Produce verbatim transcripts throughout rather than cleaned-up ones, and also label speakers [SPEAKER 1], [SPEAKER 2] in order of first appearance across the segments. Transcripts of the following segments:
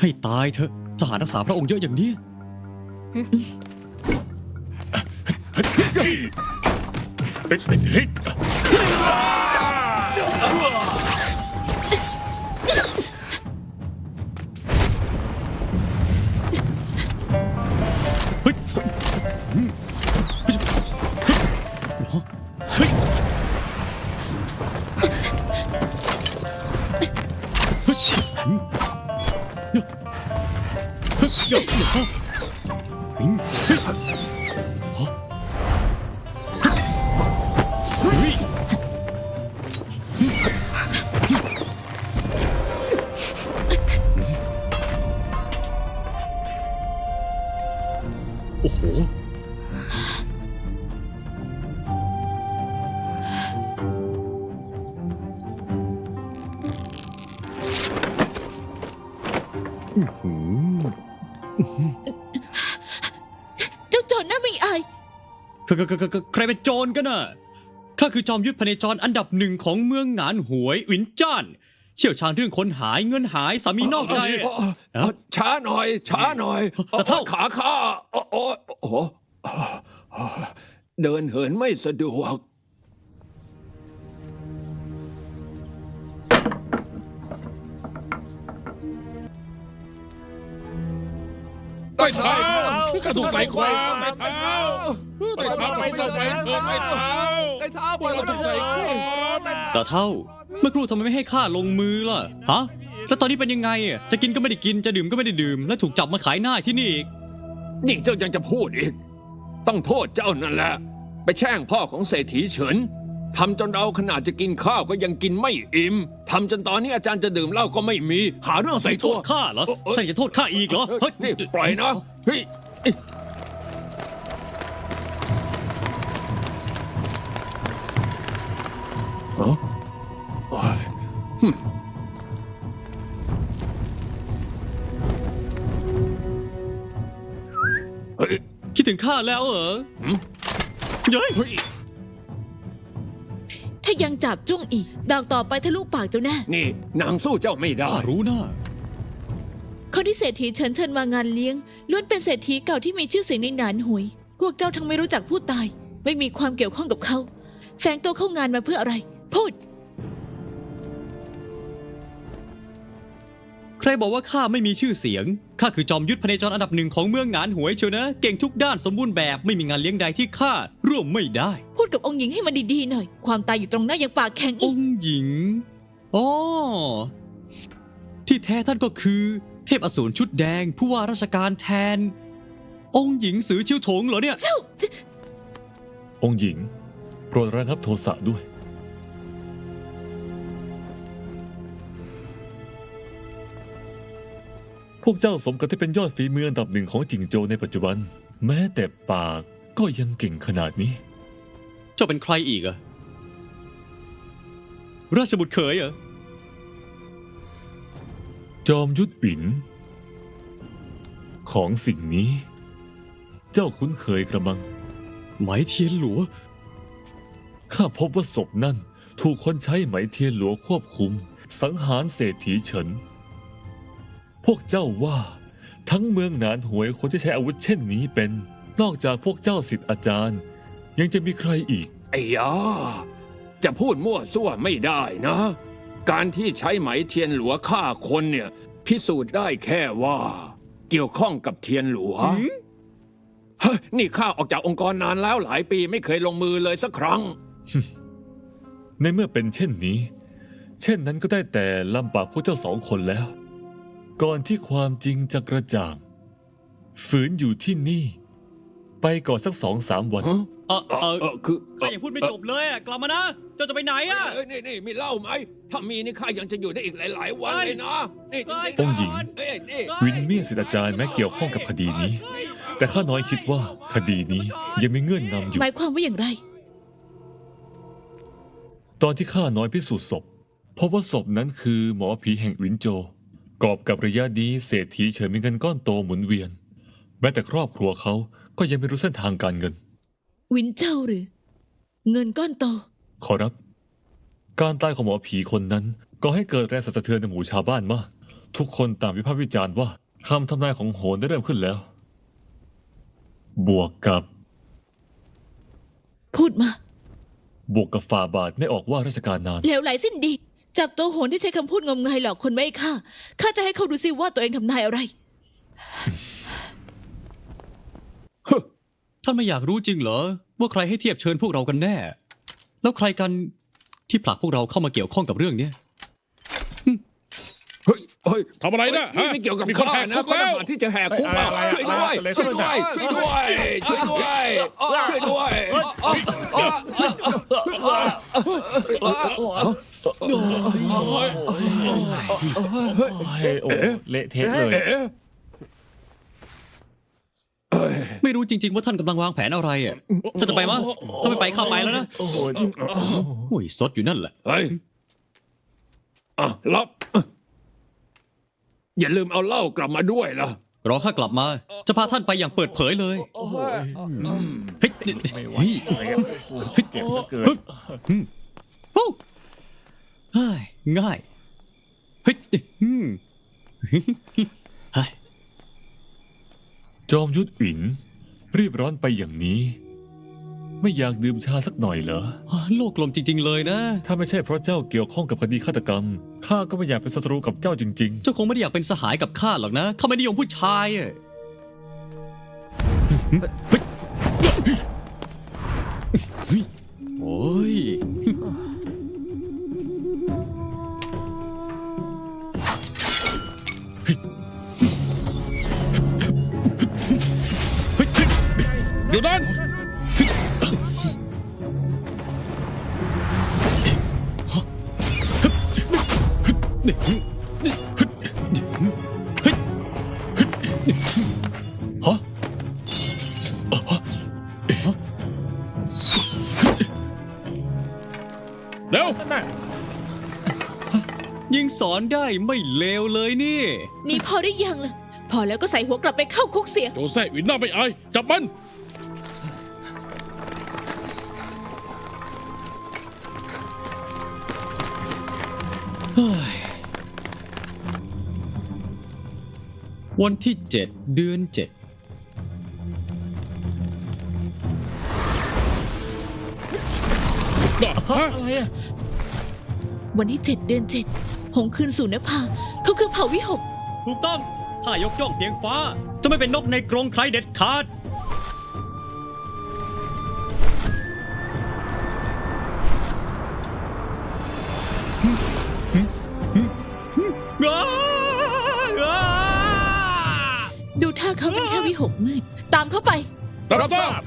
[SPEAKER 1] ให้ตายเถอะทหารรักษาพระองค์เยอะอย่างนี้เฮ้ยเฮ้ยโอ้โห
[SPEAKER 2] เจ้าโจรน่าไม่อาย
[SPEAKER 1] ใครเป็นโจรกันน่ะข้าคือจอมยุทธพเนจรอันดับหนึ่งของเมืองหนานหวยหวินจ้านเชี่ยวชาญเรื่องคนหายเงินหายสามีนอกใจ
[SPEAKER 3] ช้าหน่อย ช้าหน่อย
[SPEAKER 1] แต่เท่า
[SPEAKER 3] ขาข้าโอ้โอ้โอ้เดินเหินไม่สะดวก
[SPEAKER 4] ไต่เท้ากระดูกไหลความไต่เท้าไต่เท้าไปเข้าไปเถิดไต่เท้า
[SPEAKER 3] ไต่เท้า
[SPEAKER 4] พวกเราต้องใจความ
[SPEAKER 1] ตาเท่าเมื่อครู่ทำไมไม่ให้ข้าลงมือล่ะฮะแล้วตอนนี้เป็นยังไงอ่ะจะกินก็ไม่ได้กินจะดื่มก็ไม่ได้ดื่มแล้วถูกจับมาขายหน้าที่นี่อีก
[SPEAKER 3] นี่เจ้ายังจะพูดอีก ต้องโทษเจ้านั่นแหละ ไปแช่งพ่อของเศรษฐีเฉินทำจนเราขนาดจะกินข้าวก็ยังกินไม่อิ่มทำจนตอนนี้อาจารย์จะดื่มเหล้าก็ไม่มี หาเรื่องใส่
[SPEAKER 1] โท
[SPEAKER 3] ตัว
[SPEAKER 1] ษข้าเหรอ
[SPEAKER 3] เอ้ยเอ้ย
[SPEAKER 1] ท่านจะโทษข้าอีกเหรอเฮ้ย
[SPEAKER 3] นี่ปล่อยนะเฮ้ยเอ้ยอ๋อโอ้ยหึ่มเฮ้ย
[SPEAKER 1] คิดถึงข้าแล้วเหรอ
[SPEAKER 3] หืม
[SPEAKER 1] เย้ย
[SPEAKER 3] เฮ้ย
[SPEAKER 2] ถ้ายังจับจ้วงอีก ดาวต่อไปทะลุปากเจ้าแน่
[SPEAKER 3] นี่นางสู้เจ้าไม่ได้
[SPEAKER 1] ข้ารู้นะ
[SPEAKER 2] คนที่เศรษฐีเชิญเชิญมางานเลี้ยงล้วนเป็นเศรษฐีเก่าที่มีชื่อเสียงในหนานหวย พวกเจ้าทั้งไม่รู้จักผู้ตาย ไม่มีความเกี่ยวข้องกับเขา แฝงตัวเข้างานมาเพื่ออะไร พูด
[SPEAKER 1] ใครบอกว่าข้าไม่มีชื่อเสียงข้าคือจอมยุทธพเนจรอันดับหนึ่งของเมืองหนานหวยเชียวนะเก่งทุกด้านสมบูรณ์แบบไม่มีงานเลี้ยงใดที่ข้าร่วมไม่ได้
[SPEAKER 2] พูดกับองค์หญิงให้มันดีๆหน่อย ความตายอยู่ตรงหน้ายังปากแข็ง
[SPEAKER 1] อ
[SPEAKER 2] อีก
[SPEAKER 1] งค์หญิงอ๋อที่แท้ท่านก็คือ เทพอสูรชุดแดงผู้ว่าราชการแทน องค์หญิงสือชิวถงเหรอเนี่ย
[SPEAKER 2] เจ้า
[SPEAKER 4] องค์หญิงโปรดระงับโทสะด้วยพวกเจ้าสมกับที่เป็นยอดฝีมืออันดับหนึ่งของจิงโจวในปัจจุบัน แม้แต่ปากก็ยังเก่งขนาดนี้
[SPEAKER 1] เจ้าเป็นใครอีกอะราชบุตรเขยเหรอ
[SPEAKER 4] จอมยุทธบิน ของสิ่งนี้ เจ้าคุ้นเคยกระมัง
[SPEAKER 1] ไหมเทียนหลัว
[SPEAKER 4] ข้าพบว่าศพนั่นถูกคนใช้ไหมเทียนหลวงควบคุม สังหารเศรษฐีเฉิน พวกเจ้าว่า ทั้งเมืองหนานหวยคนที่ใช้อาวุธเช่นนี้เป็น นอกจากพวกเจ้าสิทธิ์อาจารย์ ยังจะมีใครอีก
[SPEAKER 3] ไอ้ยาจะพูดมั่วซั่วไม่ได้นะ การที่ใช้ไหมเทียนหลัวฆ่าคนเนี่ย พิสูจน์ได้แค่ว่า เกี่ยวข้องกับเทียนหลัวเฮ้ยนี่ข้าออกจากองค์กรนานแล้วหลายปีไม่เคยลงมือเลยสักครั้ง
[SPEAKER 4] ในเมื่อเป็นเช่นนี้ เช่นนั้นก็ได้แต่ลำบากพวกเจ้าสองคนแล้ว ก่อนที่ความจริงจะกระจ่าง ฝืนอยู่ที่นี่ ไปก่อนสักสองสามวัน
[SPEAKER 3] ฮะ
[SPEAKER 1] เออ
[SPEAKER 3] เอ
[SPEAKER 1] เอ
[SPEAKER 3] อ
[SPEAKER 1] อ
[SPEAKER 3] เออคือ
[SPEAKER 1] ข้ายังพูดไม่จบเลยอะกลับมานะ เจ้าจะไปไหนอะ
[SPEAKER 3] เอ้ยนี่นี่มีเหล้าไหม ถ้ามีนี่ข้ายังจะอยู่ได้อีกหลาย ๆ วันเลยนะ นี่จริงๆ
[SPEAKER 4] องค์หญิง
[SPEAKER 3] เอ้ยนี่
[SPEAKER 4] วินเมียนสิทธิอาจารย์แม้เกี่ยวข้องกับคดีนี้ แต่ข้าน้อยคิดว่าคดีนี้ยังมีเงื่อนนำอยู่
[SPEAKER 2] หมายความว่าอย่างไร
[SPEAKER 4] ตอนที่ข้าน้อยพิสูจน์ศพพบว่าศพนั้นคือหมอผีแห่งหวินโจวกอบกับระยะนี้เศรษฐีเฉินมีเงินก้อนโตหมุนเวียน แม้แต่ครอบครัวเขาก็ยังไม่รู้เส้นทางการเงิน
[SPEAKER 2] วินเจ้าหรือ เงินก้อนโต
[SPEAKER 4] ขอรับ การตายของหมอผีคนนั้นก็ให้เกิดแรงสั่นสะเทือนในหมู่ชาวบ้านมากทุกคนต่างวิพากษ์วิจารณ์ว่าคำทำนายของโหนได้เริ่มขึ้นแล้ว บวกกับ
[SPEAKER 2] พูดมา
[SPEAKER 4] บวกกับฝ่าบาทไม่ออกว่าราชการนาน
[SPEAKER 2] เหลวไหลสิ้นดี จับตัวโหนที่ใช้คำพูดงมงายหลอกคนไม่ให้ฆ่าข้าจะให้เขาดูสิว่าตัวเองทำนายอะไร
[SPEAKER 1] ท่านไม่อยากรู้จริงเหรอ ว่าใครให้เทียบเชิญพวกเรากันแน่ แล้วใครกันที่ผลักพวกเราเข้ามาเกี่ยวข้องกับเรื่องเนี้ย
[SPEAKER 3] เฮ้ยเฮ้ย
[SPEAKER 5] ทำอะไรนะฮะ
[SPEAKER 3] ไม่เกี่ยวกับ
[SPEAKER 5] มีคน
[SPEAKER 3] ข้า
[SPEAKER 5] แหก
[SPEAKER 3] นะ
[SPEAKER 5] คุก
[SPEAKER 3] คน
[SPEAKER 5] แล้ว
[SPEAKER 3] ต่างที่จะแหกคุกเปล่า
[SPEAKER 4] อะไรอะไร
[SPEAKER 3] ช่วยด้วย
[SPEAKER 4] อะไร
[SPEAKER 3] ช่วยด้วยช่วยด้วยช่วยด้วยช่วยด้วย
[SPEAKER 4] เฮ้ยโอ้เละเทะเลย
[SPEAKER 3] เอ๊ะ
[SPEAKER 1] ไม่รู้จริง ๆ ว่าท่านกำลังวางแผนอะไรอ่ะฉันจะไปมั้ยถ้าไม่ไปเข้าไปแล้วนะ
[SPEAKER 4] โอ้โห
[SPEAKER 1] โอ้ยซดอยู่นั่นแหละ
[SPEAKER 3] เฮ้ยอ่ะรับอย่าลืมเอาเหล้ากลับมาด้วยล่ะ
[SPEAKER 1] รอข้ากลับมา จะพาท่านไปอย่างเปิดเผยเลย
[SPEAKER 4] โอ้โห
[SPEAKER 1] เฮ้ย
[SPEAKER 4] ไม่ไหว
[SPEAKER 1] เฮ้ย
[SPEAKER 4] เลยอะโอ้โหเจ็บเหลือเกิน
[SPEAKER 1] โอ้เฮ้ยง่าย เฮ้ยอืมเฮ้ย
[SPEAKER 4] จอมยุทธอินรีบร้อนไปอย่างนี้ ไม่อยากดื่มชาสักหน่อยเหรอ
[SPEAKER 1] โลกกลมจริง ๆ เลยนะ
[SPEAKER 4] ถ้าไม่ใช่เพราะเจ้าเกี่ยวข้องกับคดีฆาตกรรมข้าก็ไม่อยากเป็นศัตรูกับเจ้าจริง
[SPEAKER 1] เจ้าคงไม่ได้อยากเป็นสหายกับข้าหรอกนะข้าไม่นิยมผู้ชายอะเฮ้ยโอ้ย
[SPEAKER 5] อยู่นั่น
[SPEAKER 4] ๆฮะ
[SPEAKER 5] เร็ว
[SPEAKER 1] ยิงสอนได้ไม่เลวเลยนี่
[SPEAKER 2] นี่พอได้ยังล่ะ พอแล้วก็ใส่หัวกลับไปเข้าคุกเสีย
[SPEAKER 5] โจแซ่หวินหน้าไม่อาย จับมัน
[SPEAKER 1] วันที่เจ็ดเดือนเจ็ด
[SPEAKER 5] ฮะ
[SPEAKER 4] อะไรอะ
[SPEAKER 2] วันที่เจ็ดเดือนเจ็ดหงคืนสู่นภาเขาคือเผ่าวิหก
[SPEAKER 1] ถูกต้องถ้ายกย่องเพียงฟ้า จะไม่เป็นนกในกรงใครเด็ดขาด อ้าอ้า
[SPEAKER 2] ดูท่าเขาเป็นแค่วิหกมืด ตามเข้าไป
[SPEAKER 5] รับทราบ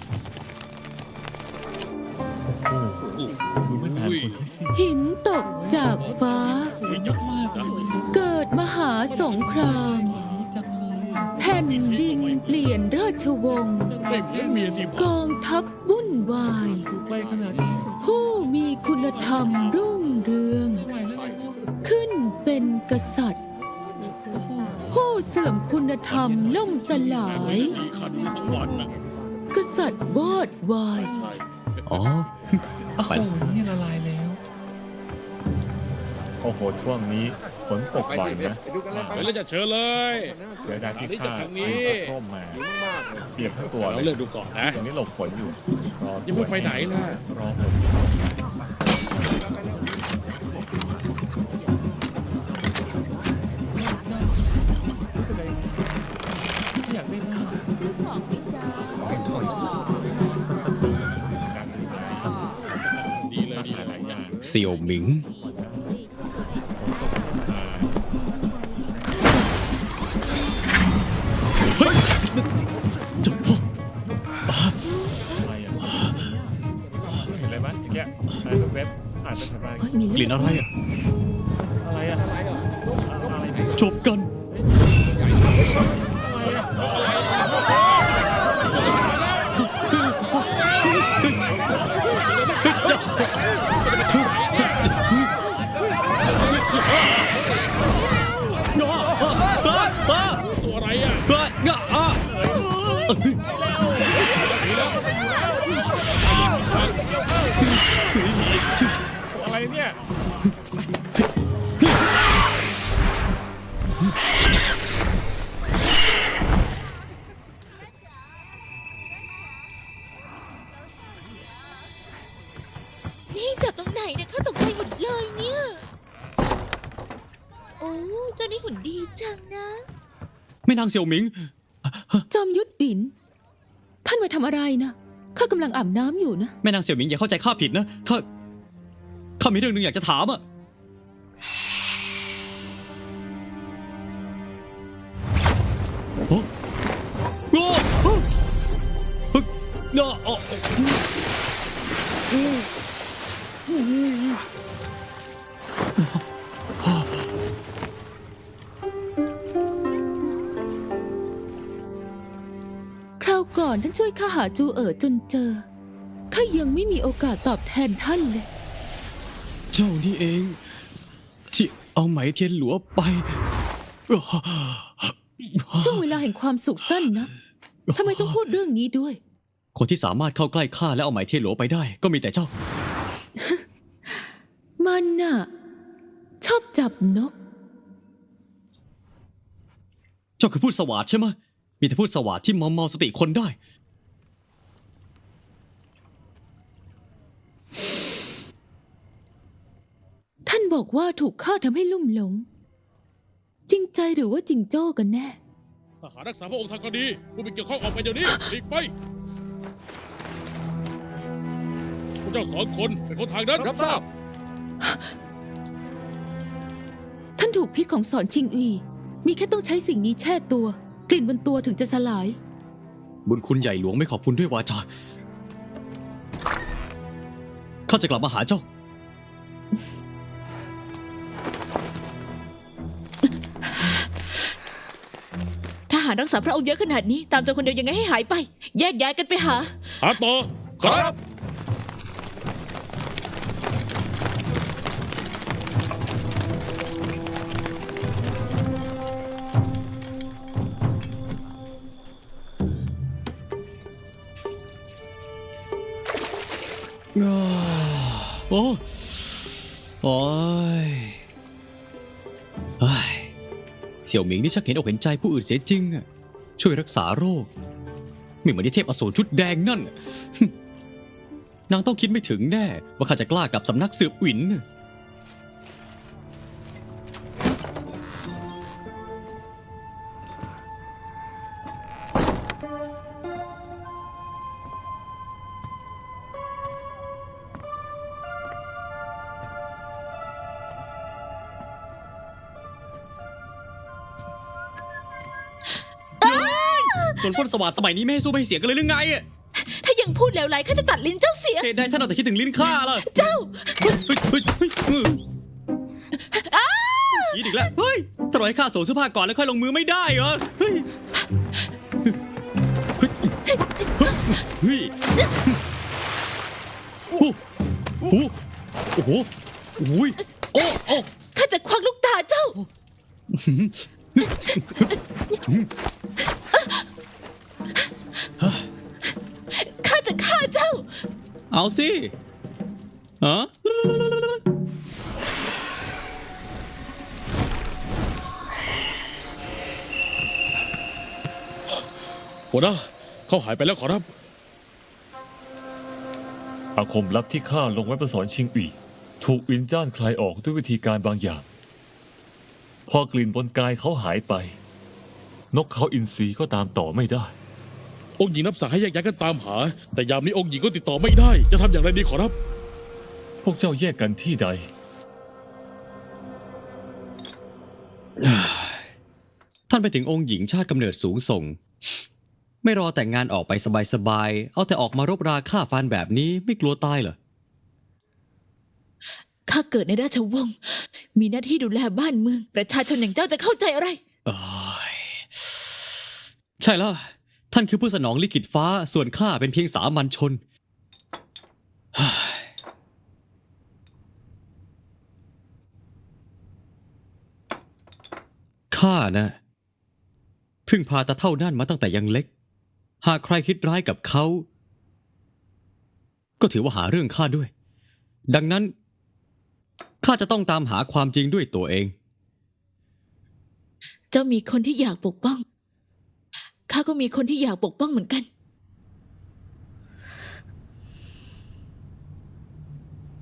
[SPEAKER 4] โอ้โหดูไม่นานคนที่สิ
[SPEAKER 6] หินตกจากฟ้า
[SPEAKER 5] เยอะมากนะ
[SPEAKER 6] เกิดมหาสงคราม แผ่นดินเปลี่ยนราชวงศ์
[SPEAKER 5] ไม่เพี้ยนเมียที่
[SPEAKER 6] กองทัพวุ่นวาย
[SPEAKER 4] ใกล้ขนาดนี้
[SPEAKER 6] ผู้มีคุณธรรมรุ่งเรือง ขึ้นเป็นกษัตริย์ ผู้เสื่อมคุณธรรมล่มสลาย
[SPEAKER 5] มีขันทั้งวันนะ
[SPEAKER 6] กษัตริย์วอดวาย
[SPEAKER 1] อ๋อ
[SPEAKER 4] โอ้โหนี่ละลายแล้ว โอ้โห ช่วงนี้ฝนตกบ่อยนะ
[SPEAKER 5] ไปแล้วจะเชิญเลย
[SPEAKER 4] เสียดายที่
[SPEAKER 5] นี่
[SPEAKER 4] ข้า
[SPEAKER 5] จากทางนี้
[SPEAKER 4] ร่มมาเปียกทั้งตัว
[SPEAKER 5] เรา
[SPEAKER 4] เลย
[SPEAKER 5] เลือกดูก่อนนะ
[SPEAKER 4] ตรงนี้หลบฝนอยู่รอ
[SPEAKER 5] ยังไม่ไปไหนล่ะ
[SPEAKER 4] รอฝนอยากได้มาก
[SPEAKER 5] ดีเลยดี
[SPEAKER 4] ห
[SPEAKER 5] เล
[SPEAKER 4] ลาย ยอย่าง
[SPEAKER 1] เสี่ยวหมิง เฮ้ยเจ้าพ่อ
[SPEAKER 4] อะไรอ่ะเห็นอะไรไหมเมื่อกี้อ่านเว็บอ่านไปทำไม
[SPEAKER 2] เฮ้ยมี
[SPEAKER 1] ก
[SPEAKER 2] เลื
[SPEAKER 1] ลิ่
[SPEAKER 2] อด
[SPEAKER 1] นอะไรอ่ะ
[SPEAKER 4] อะไรอ่ะอะไรเนี่ย
[SPEAKER 1] จบกัน
[SPEAKER 5] ตัวอะไรอ่ะ
[SPEAKER 4] อะไรเนี่ย
[SPEAKER 2] เจ้านี่หุ่นดีจังนะ
[SPEAKER 1] แม่นางเสี่ยวหมิง
[SPEAKER 6] จอมยุทธบิน ท่านมาทำอะไรนะข้ากำลังอาบน้ำอยู่นะ
[SPEAKER 1] แม่นางเสี่ยวหมิงอย่าเข้าใจข้าผิดนะข้าข้ามีเรื่องหนึงอยากจะถามอะโอ้โอ้โอ้เฮ้ยโอ้โอ้
[SPEAKER 6] คราวก่อนท่านช่วยข้าหาจูเอ๋อจนเจอข้ายังไม่มีโอกาสตอบแทนท่านเลย
[SPEAKER 1] เจ้านี่เอง ที่เอาไหมเทียนหลัวไป
[SPEAKER 6] ช่วงเวลาแห่งความสุขสั้นนะทำไมต้องพูดเรื่องนี้ด้วย
[SPEAKER 1] คนที่สามารถเข้าใกล้ข้าและเอาไหมเทียนหลัวไปได้ ก็มีแต่เจ้า
[SPEAKER 6] มันน่ะ ชอบจับนก
[SPEAKER 1] เจ้าคือพูดสวาดใช่ไหมมีแต่พูดสวาดที่มอมเมาสติคนได้
[SPEAKER 6] ท่านบอกว่าถูกข้าทำให้ลุ่มหลง จริงใจหรือว่าจริงโจ้กันแน่
[SPEAKER 5] ทหารรักษาพระองค์ทางคดีผู้มีเกี่ยวข้องออกไปเดี๋ยวนี้หลีกไปพวกเจ้าสองคนเป็นคนทางนั้น
[SPEAKER 3] รับทราบ
[SPEAKER 6] ท่านถูกพิษของสอนชิงอี มีแค่ต้องใช้สิ่งนี้แช่ตัว กลิ่นบนตัวถึงจะสลาย
[SPEAKER 1] บุญคุณใหญ่หลวงไม่ขอบคุณด้วยวาจา ข้าจะกลับมาหาเจ้า
[SPEAKER 2] ทหารรักษาพระองค์เยอะขนาดนี้ ตามตัวคนเดียวยังไงให้หายไป แยกย้ายกันไปหา
[SPEAKER 5] หาต่อครับ
[SPEAKER 1] โอ้โอ้ยเฮ้ยเสี่ยวหมิงนี่ชักเห็นอกเห็นใจผู้อื่นเสียจริงอะช่วยรักษาโรค ไม่เหมือนที่เทพอสูรชุดแดงนั่น นางต้องคิดไม่ถึงแน่ ว่าข้าจะกล้ากับสำนักสืบหวิน ส่วนพ่นสวัสดสมัยนี้ไม่ให้สู้ไม่ให้เสียกันเลยหรือไงอะ
[SPEAKER 2] ถ้ายังพูดแล้วไหลข้าจะตัดลิ้นเจ้าเสีย
[SPEAKER 1] เหตุใดท่านเอาแต่คิดถึงลิ้นข้าล่ะ
[SPEAKER 2] เจ้า
[SPEAKER 1] เฮ้ยเฮ้ยเฮ้ยเฮ้ยเฮ้ยยีดอีกแล้ว เฮ้ยตลอดให้ข้าสวมเสื้อผ้าก่อนแล้วค่อยลงมือไม่ได้เหรอ เฮ้ย เฮ้ย เฮ้ยโอ้โหโอ้โหโอ้ยโอ้โอ้
[SPEAKER 2] ข้าจะควักลูกตาเจ้า ข้าจะฆ่าเจ้า
[SPEAKER 1] เอาสิฮะ
[SPEAKER 5] หัวหน้าเขาหายไปแล้วขอรับ
[SPEAKER 4] อาคมลับที่ข้าลงไว้ประสอนชิงอีถูกวินจ้านคลายออกด้วยวิธีการบางอย่าง พอกลิ่นบนกายเขาหายไป นกเขาอินทรีก็ตามต่อไม่ได้
[SPEAKER 5] องค์หญิงรับสั่งให้แยกย้ายกันตามหา แต่ยามนี้องค์หญิงก็ติดต่อไม่ได้ จะทำอย่างไรดีขอรับ
[SPEAKER 4] พวกเจ้าแยกกันที่ใด
[SPEAKER 1] ท่านไปถึงองค์หญิงชาติกำเนิดสูงส่ง ไม่รอแต่งงานออกไปสบายๆ เอาแต่ออกมารบราฆ่าฟันแบบนี้ไม่กลัวตายเหรอ
[SPEAKER 2] ข้าเกิดในราชวงศ์ มีหน้าที่ดูแลบ้านเมือง ประชาชนอย่างเจ้าจะเข้าใจอะไร
[SPEAKER 1] โอ้ยใช่แล้ว ท่านคือผู้สนองลิขิตฟ้า ส่วนข้าเป็นเพียงสามัญชน ข้านะพึ่งพาตาเท่านั่นมาตั้งแต่ยังเล็ก หากใครคิดร้ายกับเขา ก็ถือว่าหาเรื่องข้าด้วย ดังนั้นข้าจะต้องตามหาความจริงด้วยตัวเอง
[SPEAKER 2] เจ้ามีคนที่อยากปกป้อง ข้าก็มีคนที่อยากปกป้องเหมือนกัน